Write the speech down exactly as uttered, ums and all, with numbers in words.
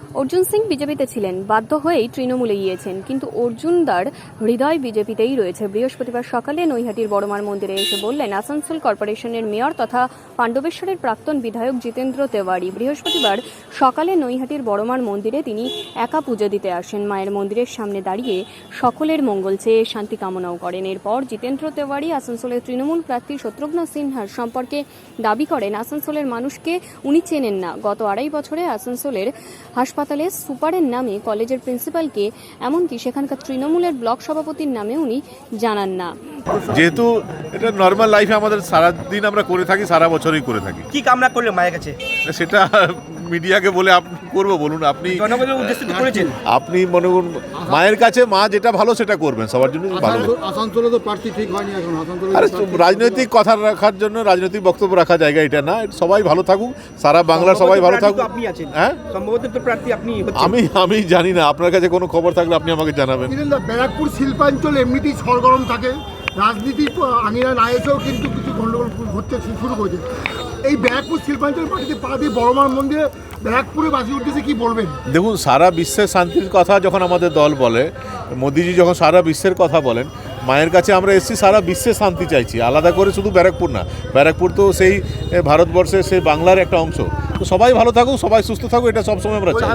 অর্জুন সিং বিজেপিতে ছিলেন, বাধ্য হয়েই তৃণমূলে গিয়েছেন, কিন্তু অর্জুনদার হৃদয় বিজেপিতেই রয়েছে। বৃহস্পতিবার সকালে নৈহাটির বড়মার মন্দিরে এসে বললেন আসানসোল কর্পোরেশনের মেয়র তথা পাণ্ডবেশ্বরের প্রাক্তন বিধায়ক জিতেন্দ্র তেওয়ারি। বৃহস্পতিবার সকালে নৈহাটির বড়মার মন্দিরে তিনি একা পুজো দিতে আসেন। মায়ের মন্দিরের সামনে দাঁড়িয়ে সকলের মঙ্গল চেয়ে শান্তি কামনাও করেন। এরপর জিতেন্দ্র তেওয়ারি আসানসোলের তৃণমূল প্রার্থী শত্রুঘ্ন সিনহার সম্পর্কে দাবি করেন আসানসোলের মানুষকে উনি চেনেন না। গত আড়াই বছরে আসানসোলের হাসপাতালে সুপারের নামে, কলেজের প্রিন্সিপালকে, এমনকি সেখানকার তৃণমূলের ব্লক সভাপতির নামে উনি জানান না। যেহেতু এটা নর্মাল লাইফে আমাদের সারাদিন আমরা করে থাকি, সারা বছরই করে থাকি। কি কামনা করলে মায়ের কাছে? সেটা মিডিয়াকে বলে আপনি করবো বলুন? আপনি জনগণের উদ্দেশ্যে তো করেছেন। আপনি মনে করুন মায়ের কাছে মা যেটা ভালো সেটা করবেন, সবার জন্য ভালো। আসানসোলে তো প্রার্থী ঠিক হয়নি এখন। আসানসোলে আরে রাজনৈতিক কথা রাখার জন্য রাজনৈতিক বক্তব্য রাখা জায়গা এটা না। সবাই ভালো থাকুক, সারা বাংলার সবাই ভালো থাকুক। আপনি আছেন, হ্যাঁ, সম্ভবত তো প্রার্থী আপনি হচ্ছেন। আমি আমি জানি না, আপনার কাছে কোনো খবর থাকলে আপনি আমাকে জানাবেন। ব্যারাকপুর শিল্পাঞ্চল এমনিতেই সরগরম থাকে, রাজনীতি আঙিনা না এসেও কিন্তু কিছু গন্ডগোল ঘটতে শুরু করেছে। এই ব্যারাকপুর শিল্পাঞ্চল পার্টিতে পা দিয়ে বড়মার মন্দিরে ব্যারাকপুরে বাসী উঠতেছে, কি বলবেন? দেখুন, সারা বিশ্বের শান্তির কথা যখন আমাদের দল বলে, মোদিজি যখন সারা বিশ্বের কথা বলেন, মায়ের কাছে আমরা এসেছি সারা বিশ্বে শান্তি চাইছি, আলাদা করে শুধু ব্যারাকপুর না। ব্যারাকপুর তো সেই ভারতবর্ষের সেই বাংলার একটা অংশ। তো সবাই ভালো থাকুক, সবাই সুস্থ থাকুক, এটা সবসময় আমরা চাই।